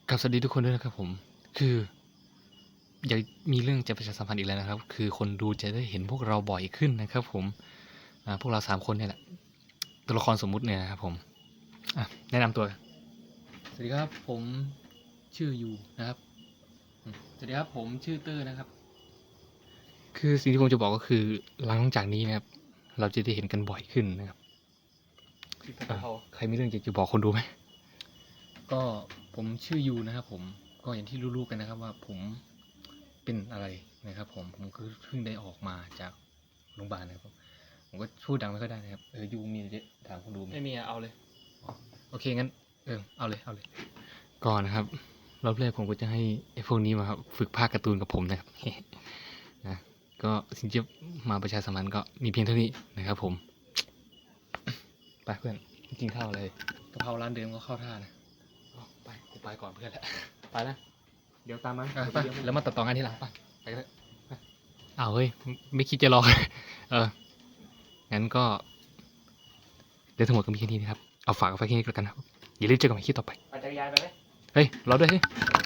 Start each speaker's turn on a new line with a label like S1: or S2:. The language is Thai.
S1: กับสวัสดีทุกคนด้วยนะครับผมคืออยากมีเรื่องจะประชาสัมพันธ์อีกแล้วนะครับคือคนดูจะได้เห็นพวกเราบ่อยขึ้นนะครับผมพวกเรา3คนเนี่ยแหละตัวละครสมมุติเนี่ยนะครับผมแนะนำตัวสวัสดีครับผมชื่อยูนะครับสวัสดีครับผมชื่อเตอร์นะครับคือสิ่งที่ผมจะบอกก็คือหลังจากนี้นะครับเราจะได้เห็นกันบ่อยขึ้นนะครับใครมีเรื่องอยากจะบอกคนดูไหมก็ผมชื่อยูนะครับผมก็อย่างที่รู้ๆกันนะครับว่าผมเป็นอะไรนะครับผมก็เพิ่งได้ออกมาจากโรงพยาบาลนะครับผมก็พูดดังไม่ค่อยได้นะครับยูมีอะไรจะถามคนดูไหมไม่มีเอาเลยโอเคงั้นเอาเลยก่อนนะครับรอบแรกผมก็จะให้ไอ้พวกนี้มาฝึกภาคการ์ตูนกับผมนะครับ นะก็สิ่งที่มาประชาสัมพันธ์ก็มีเพียงเท่านี้นะครับผมไปเพื่อนกินข้าวอะไรกะเพราร้านเดิมก็เข้าท่านะไปกูไปก่อนเพื่อนแหละไปนะเดี๋ยวตามมาไปแล้วมาตัดต่องานทีหลังไปเลยเอาเฮ้ยไม่คิดจะรอ งั้นก็เดี๋ยวทั้งหมดก็มีแค่นี้นะครับเอาฝากเอาไว้แค่นี้แล้วกันครับอย่าลืมเจอกันใหม่คลิปต่อไป
S2: ปั่นจักรยานไปไหม
S1: เฮ้ยรอด้วยเฮ้ย